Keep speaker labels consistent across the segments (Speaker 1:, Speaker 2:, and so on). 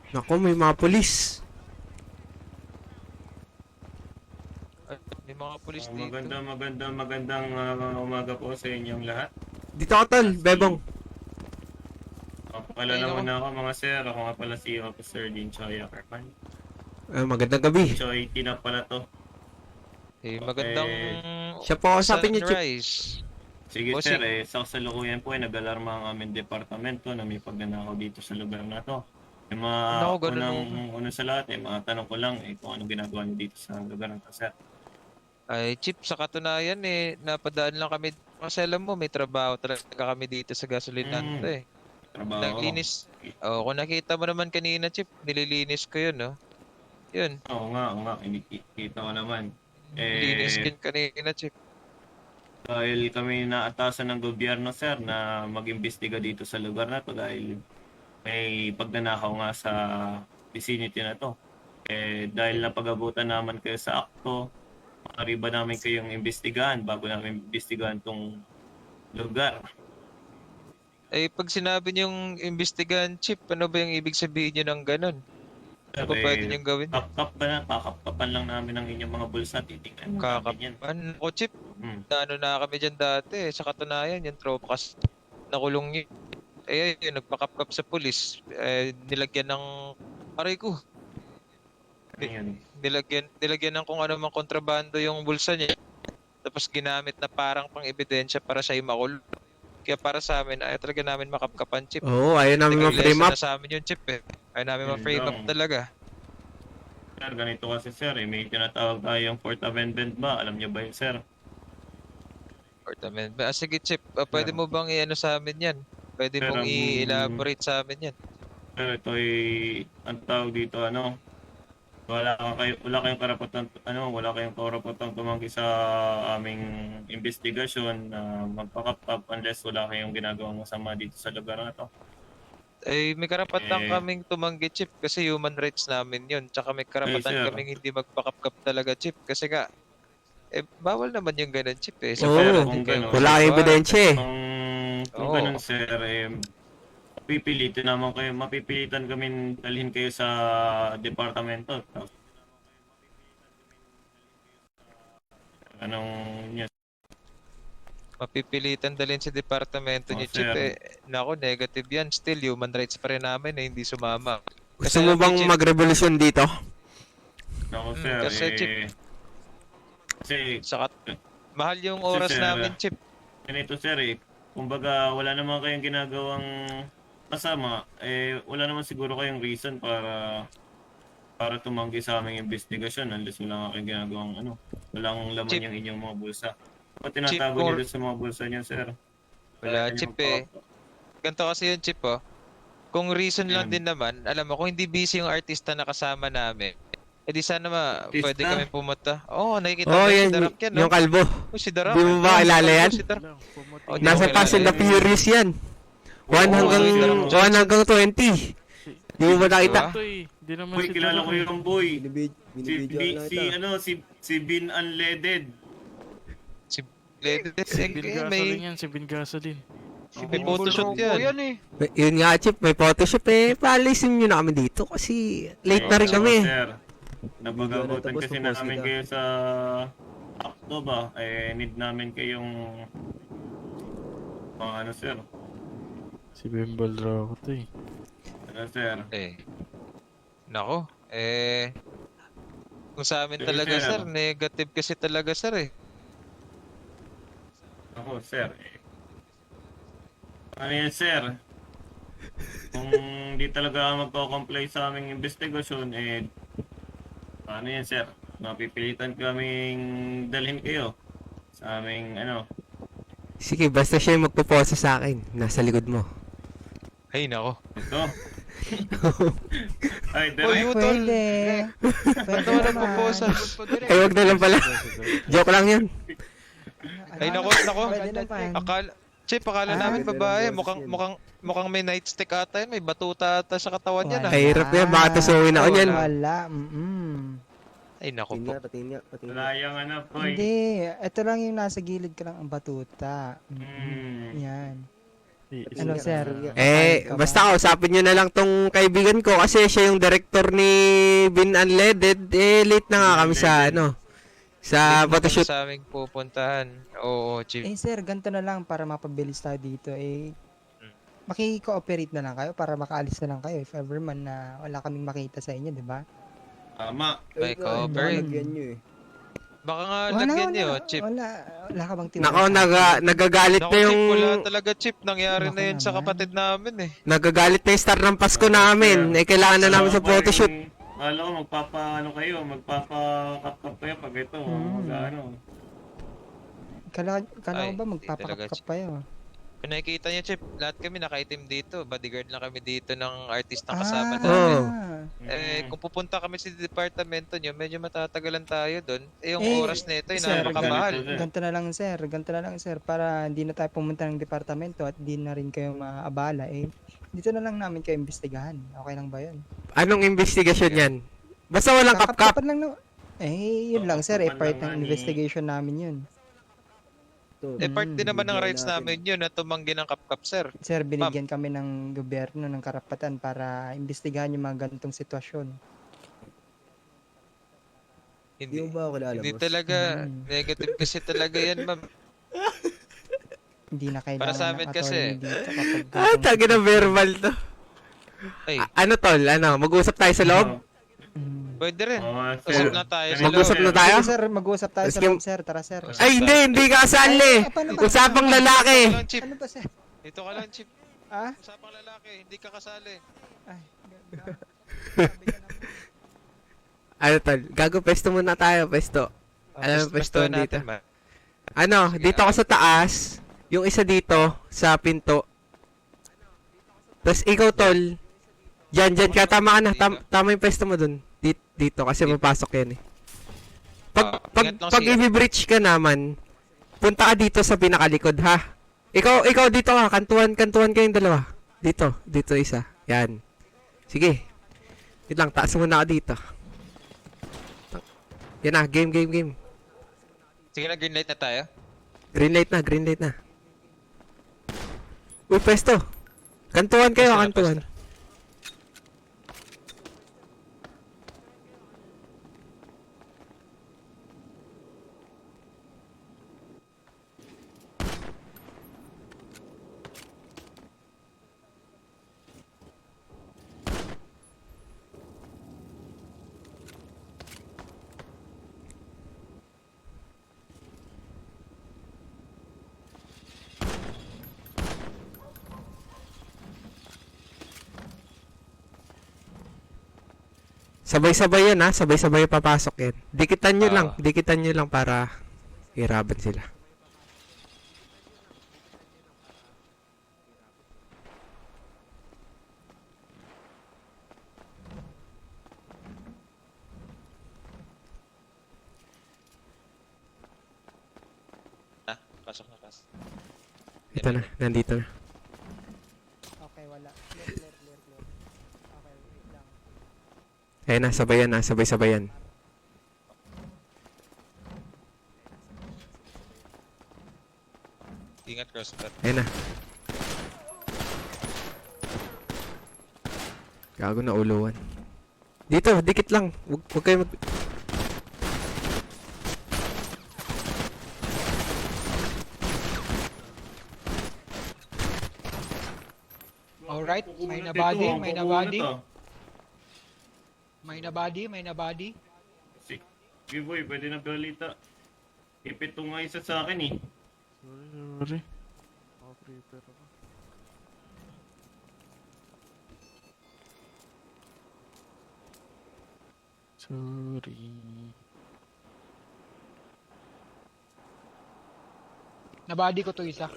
Speaker 1: Naku, may mga pulis.
Speaker 2: Ay, may mga pulis dito.
Speaker 3: Magandang umaga po sa inyong lahat.
Speaker 1: Dito ka, tol. Bebong.
Speaker 3: Pala
Speaker 2: Ay, nako.
Speaker 3: naman ako mga sir. Ako nga pala si Officer Din Choi Ackerman.
Speaker 1: Magandang gabi.
Speaker 3: Choi, tina pala to.
Speaker 2: Magandang
Speaker 1: Siya po kausapin niyo, Chip.
Speaker 2: sunrise.
Speaker 3: Sige
Speaker 2: Bossing.
Speaker 3: sir, sa kasalukuyan po ay nag-alarma ang aming departamento na may pagnanakaw dito sa lugar na to. Yung mga
Speaker 2: Nako, ganun
Speaker 3: unang sa lahat, mga tanong ko lang kung anong ginagawa niyo dito sa lugar na to, sir.
Speaker 2: Ay, Chip, sa katunayan napadaan lang kami. Kasi alam mo, may trabaho talaga kami dito sa gasolinan to
Speaker 3: Trabaho.
Speaker 2: Naglinis. Oh, kung nakita mo naman kanina, Chip, nililinis ko yun, no? Yun,
Speaker 3: Oo nga, kinikita ko naman.
Speaker 2: nilinis ko yun kanina, Chip.
Speaker 3: Dahil kami naatasan ng gobyerno, sir, na mag-imbestiga dito sa lugar na to dahil may pagnanakaw nga sa vicinity na to. Dahil napag-abutan naman kayo sa akto, maaari ba namin kayong imbestigahan bago namin imbestigahan tong lugar?
Speaker 2: Pag sinabi niyong imbestigahan, Chip, ano ba yung ibig sabihin niyo ng ganun? Ano ba pwede niyong gawin?
Speaker 3: Kakapkapan lang namin ang inyong mga bulsa, titignan namin yan.
Speaker 2: Kakapan. O, Chip, ano na kami dyan dati. Sa katunayan, yung tropa kasi nakulong yun. Yun, nagpakapkap sa pulis. Nilagyan ng aray ko.
Speaker 3: Ano yun?
Speaker 2: Nilagyan ng kung ano mang kontrabando yung bulsa niya. Tapos ginamit na parang pang ebidensya para siya makulong. Kaya para sa amin, ayaw talaga namin makapkapan, Chip.
Speaker 1: Oo, ayaw namin ma-frame
Speaker 2: Lesson
Speaker 1: up.
Speaker 2: na sa amin yung Chip Ayaw namin
Speaker 3: Yun
Speaker 2: ma-frame up
Speaker 3: lang.
Speaker 2: talaga.
Speaker 3: Sir, ganito kasi sir, may tinatawag tayong Fourth Amendment ba? Alam niyo ba yun, sir?
Speaker 2: Sige, Chip, pwede mo bang i-ano sa amin yan? Pwede
Speaker 3: Sir,
Speaker 2: mong i-elaborate sa amin yan?
Speaker 3: Sir, ito ay ang tawag dito wala kayong karapatan wala kayong karapatang tumanggi sa aming investigasyon na magpakapap unless wala kayong ginagawang masama dito sa lugar na to.
Speaker 2: May karapatan
Speaker 3: Eh,
Speaker 2: kaming tumanggi, Chip, kasi human rights namin yun. Tsaka may karapatan
Speaker 3: sir.
Speaker 2: kaming hindi magpakapkap talaga, Chip. Kasi nga, bawal naman yung ganun, Chip Sa
Speaker 1: Oo,
Speaker 2: pera
Speaker 3: kung
Speaker 2: din kayo
Speaker 3: ganun.
Speaker 1: wala kang
Speaker 2: magsasawa.
Speaker 1: ebidensya eh.
Speaker 3: Kung
Speaker 2: Oo.
Speaker 3: ganun sir, mapipilitan kami dalhin kayo sa departamento. Anong news?
Speaker 2: Mapipilitan dalhin sa departamento
Speaker 3: Oh,
Speaker 2: niyo, Chip
Speaker 3: sir.
Speaker 2: Nako, negative yan. Still, human rights pa rin namin hindi sumama.
Speaker 1: Gusto
Speaker 2: Kasi
Speaker 1: mo
Speaker 2: alam
Speaker 1: bang
Speaker 2: Chip,
Speaker 1: magrevolusyon dito?
Speaker 3: Ako sir,
Speaker 2: kasi, Chip,
Speaker 3: kasi
Speaker 2: mahal yung
Speaker 3: Kasi,
Speaker 2: oras
Speaker 3: sir,
Speaker 2: namin, Chip.
Speaker 3: ganito sir kumbaga wala naman kayong ginagawang masama, wala naman siguro kayong reason para tumanggi sa aming investigasyon unless wala nga kayong ginagawang walang laman
Speaker 2: Chip,
Speaker 3: yung inyong mga bulsa. Ba't
Speaker 2: Chip,
Speaker 3: tinatago niyo doon sa mga bulsa niyo, sir?
Speaker 2: wala,
Speaker 3: Kaya niyo
Speaker 2: Chip Ganito kasi yun, Chip Kung reason lang
Speaker 3: Yan.
Speaker 2: din naman, alam mo, kung hindi busy yung artista na kasama namin, di sana
Speaker 3: Artista?
Speaker 2: pwede kami pumunta. Oo, nakikita
Speaker 1: Oo,
Speaker 2: mo yun, si
Speaker 1: yan,
Speaker 2: Darak yan, no?
Speaker 1: yung kalbo.
Speaker 2: Oh, si Darak.
Speaker 1: Di mo ba kilala yan?
Speaker 2: Si Darak. Oh, di
Speaker 1: Nasa
Speaker 2: mo
Speaker 1: Fast and the
Speaker 2: kilala yan.
Speaker 1: Furious yan. 1
Speaker 2: Oo,
Speaker 1: hanggang
Speaker 2: ano yung Darak?
Speaker 1: 1 hanggang 20. Di mo ba nakita?
Speaker 4: Di naman
Speaker 3: Boy,
Speaker 4: si
Speaker 3: kilala ko
Speaker 4: Darak
Speaker 3: yung boy.
Speaker 5: Binibidyo na
Speaker 3: Si Bin Unleaded.
Speaker 2: Si Ledes,
Speaker 4: Si Bin Gasolin
Speaker 2: may
Speaker 4: yan, si Bin Gasolin.
Speaker 2: photoshoot yan.
Speaker 1: Yun nga, Chip, may photoshop paalisin nyo na kami dito kasi late na rin kami.
Speaker 3: Sir, napag-abutan
Speaker 5: Tapos
Speaker 3: kasi
Speaker 5: tapos
Speaker 3: namin
Speaker 5: kita.
Speaker 3: kayo sa akto ba? Need namin kayong sir.
Speaker 4: Si Bimbal raw ako to
Speaker 3: Sir?
Speaker 2: Nako, kung sa amin
Speaker 3: Sige,
Speaker 2: talaga,
Speaker 3: sir.
Speaker 2: sir, negative kasi talaga, sir
Speaker 3: Ako, sir. Ano yan, sir? Kung di talaga magko-comply sa aming investigasyon, ano yan, sir? Mapipilitan kaming dalhin kayo sa aming,
Speaker 1: Sige, basta siya yung magpupose sa akin. Nasa likod mo.
Speaker 2: Ay, nako.
Speaker 3: ito. Ay,
Speaker 2: Oh,
Speaker 3: direct.
Speaker 2: Utol.
Speaker 5: Pwede.
Speaker 2: Ito na proposal.
Speaker 1: Ay, wag na lang pala. Joke lang yun.
Speaker 2: Ay, nako.
Speaker 5: Pwede naman.
Speaker 2: Akala namin
Speaker 5: ganda ng
Speaker 2: babae.
Speaker 5: boses
Speaker 2: Mukhang may nightstick ata yun. May batuta ata sa katawan niya,
Speaker 1: Ay, hirap yan. Baka tusukin ako niyan.
Speaker 5: Wala.
Speaker 2: Ay, nako po.
Speaker 5: Patingin nga.
Speaker 3: Wala yung boy.
Speaker 5: Hindi. Ito lang yung nasa gilid ka lang ang batuta.
Speaker 3: Hmm.
Speaker 5: Yan.
Speaker 4: Iisa.
Speaker 6: Ano, sir?
Speaker 1: Basta kausapin nyo na lang tong kaibigan ko kasi siya yung director ni Bin Unleaded. Late na nga kami sa sa
Speaker 2: Late na kami
Speaker 1: photoshoot.
Speaker 2: sa aming pupuntahan. Oo, Chief.
Speaker 6: Sir, ganito na lang para mapabilis tayo dito. Maki-cooperate na lang kayo para makaalis na lang kayo if ever man na wala kaming makita sa inyo, di ba?
Speaker 3: Tama.
Speaker 2: May cooperate.
Speaker 5: Lagyan nyo eh.
Speaker 2: Baka nga lagyan niyo, Chief.
Speaker 6: Wala ka bang tiwala?
Speaker 1: Nako, nagagalit
Speaker 2: Naku,
Speaker 1: na
Speaker 2: Chief,
Speaker 1: yung
Speaker 2: wala talaga, Chief. Nangyari
Speaker 6: Naku
Speaker 2: na yun sa
Speaker 6: naman.
Speaker 2: kapatid namin eh.
Speaker 1: nagagalit na yung star ng Pasko namin. Kailangan na namin sa photoshoot.
Speaker 3: Alam ko, magpapa-kap-kap kayo pag ito.
Speaker 6: Kala
Speaker 2: Ay,
Speaker 6: ko ba
Speaker 2: hindi talaga,
Speaker 6: magpapakap
Speaker 2: Chief.
Speaker 6: pa yun?
Speaker 2: Kung nakikita niyo, Chief, lahat kami nakaitim dito. Bodyguard lang kami dito ng artistang
Speaker 6: Ah,
Speaker 2: kasama
Speaker 1: Oo.
Speaker 2: namin.
Speaker 3: Mm.
Speaker 2: Kung pupunta kami sa departamento nyo, medyo matatagalan tayo doon. Yung
Speaker 6: Eh,
Speaker 2: oras na ito,
Speaker 6: sir,
Speaker 2: napakamahal.
Speaker 6: ganito na lang sir, para hindi na tayo pumunta ng departamento at di na rin kayo maabala dito na lang namin kayo imbestigahan. Okay lang ba yun?
Speaker 1: Anong investigasyon yan? Basta walang kap-kap.
Speaker 6: Kakap-kapan lang na. Yun lang sir,
Speaker 3: Kakap-kapan
Speaker 6: part
Speaker 3: lang
Speaker 6: ng
Speaker 3: nga ni-
Speaker 6: investigation namin yun.
Speaker 2: Part din naman ng
Speaker 5: bigyan
Speaker 2: rights
Speaker 5: natin.
Speaker 2: namin yun na tumanggi ng kap-kap, sir.
Speaker 6: Sir, binigyan kami ng gobyerno ng karapatan para imbestigahan yung mga ganitong sitwasyon.
Speaker 5: Hindi mo
Speaker 2: Hindi,
Speaker 5: ba ako kilala,
Speaker 2: hindi
Speaker 5: boss?
Speaker 2: talaga. Negative kasi talaga yan, ma'am.
Speaker 6: Hindi na kailangan
Speaker 2: Para sa amin
Speaker 6: ng
Speaker 2: kasi.
Speaker 6: attorney dito kapag
Speaker 1: Tagi na verbal to.
Speaker 2: Ay,
Speaker 1: Ano tol? Mag-uusap tayo sa loob?
Speaker 2: pwede rin.
Speaker 3: Sir.
Speaker 2: Usap na tayo sa
Speaker 1: Mag-usap
Speaker 2: loob.
Speaker 1: na tayo?
Speaker 6: Sige, sir, mag-uusap tayo sa
Speaker 1: Maski-
Speaker 6: loob, sir. Tara, sir.
Speaker 1: Ay, hindi ka kasali.
Speaker 6: Paano ba?
Speaker 1: Usapang lalaki.
Speaker 2: Dito ka lang, Chief.
Speaker 6: Ano ba, sir?
Speaker 2: Dito ka lang, Chief.
Speaker 6: Ah?
Speaker 2: Usapang lalaki, hindi ka kasali.
Speaker 6: Ay,
Speaker 1: Ano tol? Gago, pesto muna tayo, pesto. Alam mo, pesto
Speaker 2: Bastuhan
Speaker 1: dito.
Speaker 2: natin, ma.
Speaker 1: Dito ako sa taas. Yung isa dito, sa pinto. Tapos ikaw tol, dyan ka, tama ka na. Tama yung pesto mo dun. Dito, kasi mapasok yan eh.
Speaker 2: Ingat lang
Speaker 1: Pag
Speaker 2: siya.
Speaker 1: i-breach ka naman, punta ka dito sa pinakalikod ha. Ikaw dito ka, kantuan kayong dalawa. Dito isa. Yan. Sige. Wait lang, taas muna ka dito. Yan na, game.
Speaker 2: Sige na, green light na tayo.
Speaker 1: Green light na. Uy, pesto. Kantuan kayo,
Speaker 2: Pesto na,
Speaker 1: kantuan. Sabay-sabay yan ha, sabay-sabay papasok yan. Dikitan nyo lang para hiraban sila.
Speaker 2: Pasok na, pasok.
Speaker 1: Ito na, nandito na.
Speaker 6: Okay, wala. Clear. Okay, wait lang.
Speaker 1: Ayun na, sabay yan.
Speaker 2: Ingat, crossbar.
Speaker 1: Ayun na. Gago na uluan. Dito, dikit lang. Huwag kayo
Speaker 7: Alright, may nabody. May nabody.
Speaker 3: Sige boy, pwede na balita. Ipit to nga isa sa akin eh.
Speaker 4: Sorry. Operator ako. Sorry.
Speaker 7: Nabody ko to isa.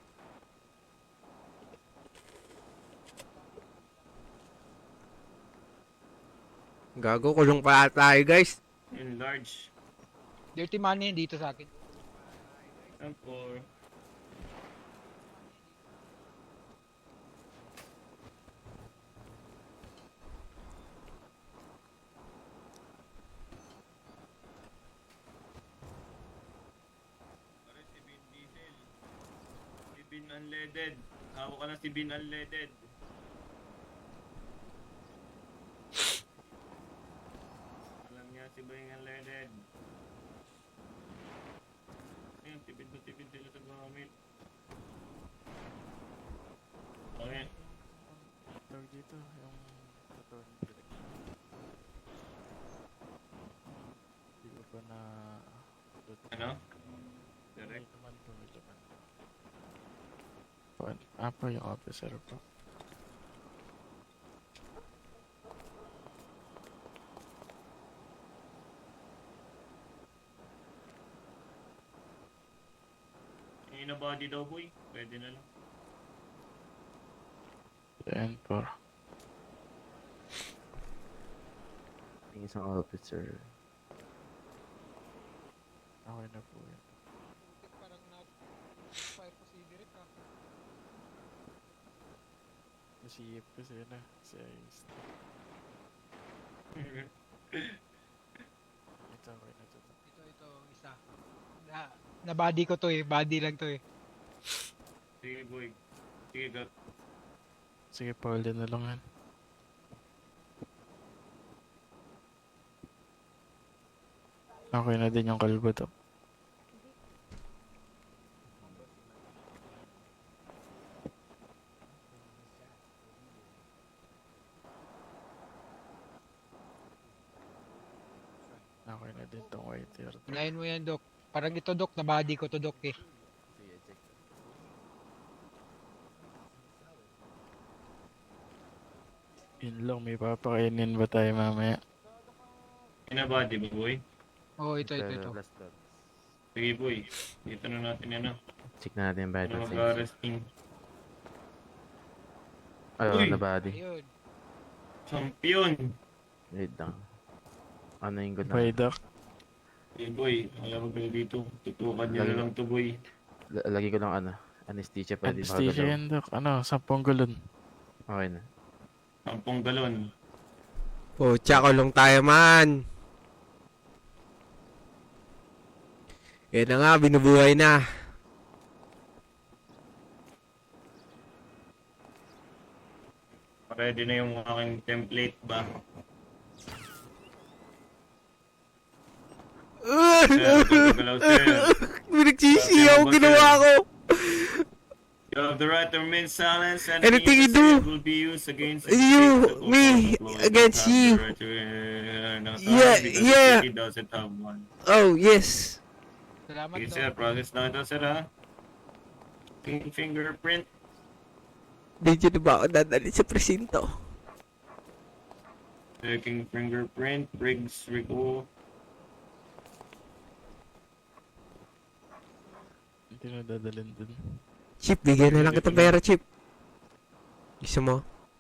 Speaker 1: Gago, kulong pa tayo guys.
Speaker 3: Enlarge.
Speaker 7: Dirty money dito sa akin.
Speaker 3: Tampor. Si Bin Unleaded. Hawak ka na si Bin Unleaded. Alam niya si Bin Unleaded. Ayun, tipid na tipid sila sa gamit. Okay.
Speaker 4: Tawag dito, yung katawan direct. Hindi ko pa na...
Speaker 3: Ano?
Speaker 4: May
Speaker 3: Direct.
Speaker 4: laman po, may laman. Pa yung officer po.
Speaker 3: Yung ina-body daw boy, pwede na lang.
Speaker 4: Yan po.
Speaker 5: Yung isang officer.
Speaker 4: Okay na po yan.
Speaker 7: Parang na-fire po si Derek ah.
Speaker 4: Nasiyip kasi na. Si Ice. Ito okay na ito.
Speaker 7: Ito, isa. Na body ko to eh, body lang to eh.
Speaker 3: Sige boy. Sige go.
Speaker 4: Sige, Paul, na lang yan. Okay na din yung kalbo to. Okay na din tong white hair.
Speaker 7: Unahin mo yan, Dok. Parang ito, Dok, na body ko to, Dok eh.
Speaker 4: Yun lang, may papakainin ba tayo mamaya?
Speaker 3: Ina-body ba boy?
Speaker 7: Oo, ito.
Speaker 3: Sige boy. Dito na natin yan ah.
Speaker 5: Check na natin yung
Speaker 3: Ano
Speaker 5: vital signs.
Speaker 3: mag-arresting.
Speaker 5: Ayun,
Speaker 3: Uy!
Speaker 5: na body.
Speaker 7: Ayun.
Speaker 3: Champion!
Speaker 5: Wait lang. Ano yung good
Speaker 4: Bye,
Speaker 5: na?
Speaker 4: Doc.
Speaker 3: Hey boy, alam mo kayo dito. Tutukan niyo na lang to boy.
Speaker 5: Lagi ko lang ano. Anesthesia pwede
Speaker 4: Anesthesia yan, Doc. Ano, 10 gulon.
Speaker 5: Okay na.
Speaker 3: 10 galon.
Speaker 1: Oh, tsakulong tayo man. Yan na nga, binubuhay na.
Speaker 3: Ready na yung aking template ba? Sir, galaw sir.
Speaker 1: Pinagsisiyaw, ginawa ko.
Speaker 3: You have the right to remain silent and
Speaker 1: Anything you
Speaker 3: any
Speaker 1: do.
Speaker 3: will be used against
Speaker 1: You, me, against you. Yeah, yeah.
Speaker 3: He doesn't have one.
Speaker 1: Oh, yes.
Speaker 7: Salamat,
Speaker 3: Okay,
Speaker 7: Dok.
Speaker 3: sir. Process na ito, sir, ha? Fingerprint.
Speaker 1: Dito na ba ako dadali sa presinto?
Speaker 3: Checking fingerprint. Briggs, Rico.
Speaker 4: Hindi na dadalhin dun.
Speaker 1: Chip, bigyan na lang kita pera, Chip. Gusto mo?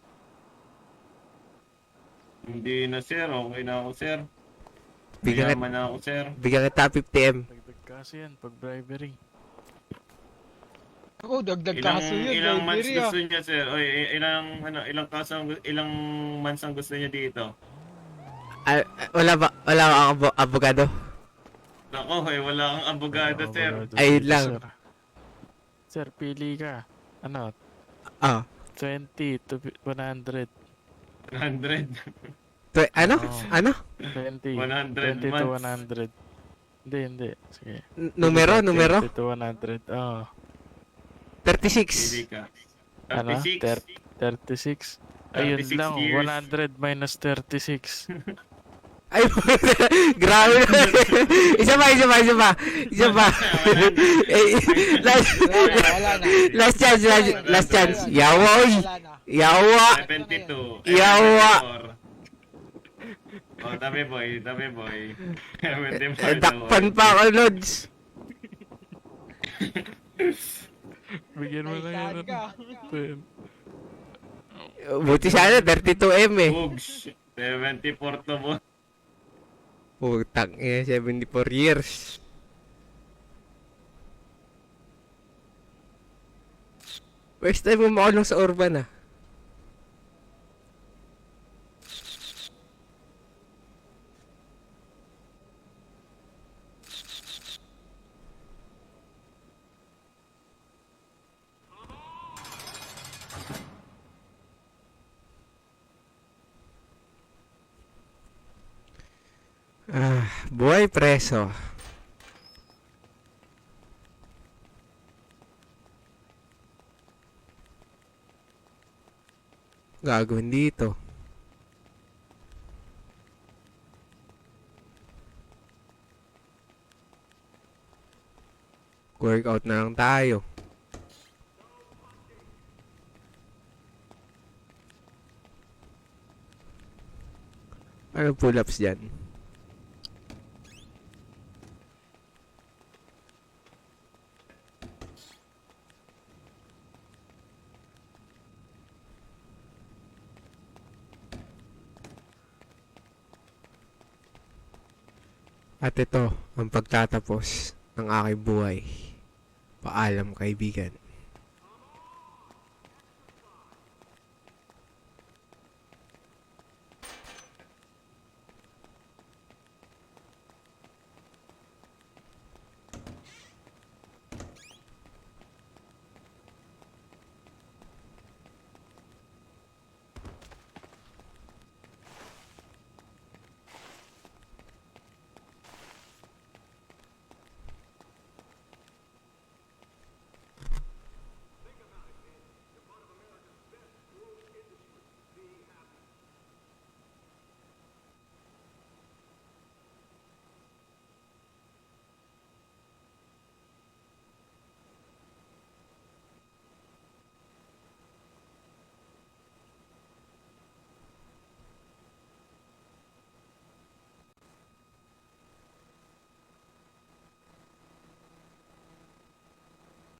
Speaker 3: Hindi na, sir. Okay na ako, sir.
Speaker 1: Bigyan
Speaker 3: Mayaman na ako, sir.
Speaker 1: Bigyan kita 50M.
Speaker 4: Dagdag kasi yan, pag bribery.
Speaker 7: Oo, dagdag
Speaker 3: Ilang,
Speaker 7: kaso yun.
Speaker 3: ilang months
Speaker 7: bribery, ah.
Speaker 3: gusto niya, sir? Oy, ilang kaso, ilang months ang gusto niya dito?
Speaker 1: Wala ba akong abogado?
Speaker 3: Nako, wala kang abogado, sir.
Speaker 4: Abogado
Speaker 1: Ayun
Speaker 4: dito,
Speaker 1: lang.
Speaker 4: Sir. Sir, pili ka. Ano?
Speaker 1: Ah.
Speaker 4: 20 to 100.
Speaker 3: 100.
Speaker 1: Ano?
Speaker 4: Oh.
Speaker 1: Ano?
Speaker 4: 20.
Speaker 3: 100
Speaker 4: 20 to
Speaker 3: months.
Speaker 4: 100. Hindi. Sige.
Speaker 1: Numero?
Speaker 4: 20 to 100. Oh.
Speaker 1: 36.
Speaker 3: Pili ka.
Speaker 4: Ano?
Speaker 3: 36.
Speaker 4: 36. Ayun
Speaker 3: 36
Speaker 4: lang.
Speaker 3: years.
Speaker 4: 100 minus 36.
Speaker 1: Ay, grabe na. Isa pa. Eh,
Speaker 7: Wala na.
Speaker 1: last chance. Yawa, oy.
Speaker 7: Wala na.
Speaker 1: Yawa.
Speaker 3: 72.
Speaker 1: Yawa.
Speaker 3: Oh, tabi boy. 74
Speaker 1: Dakpan pa ako, Lods.
Speaker 4: Bigyan mo lang yan.
Speaker 7: Naisahan ka.
Speaker 1: Buti sana, 32M eh.
Speaker 3: Bugs. 74 to mo.
Speaker 1: Putang eh, 74 years. First time mo makulong sa urban ah. Buhay preso. Gagawin dito. Workout na lang tayo. Ano pull-ups dyan? At ito ang pagtatapos ng aking buhay. Paalam kaibigan.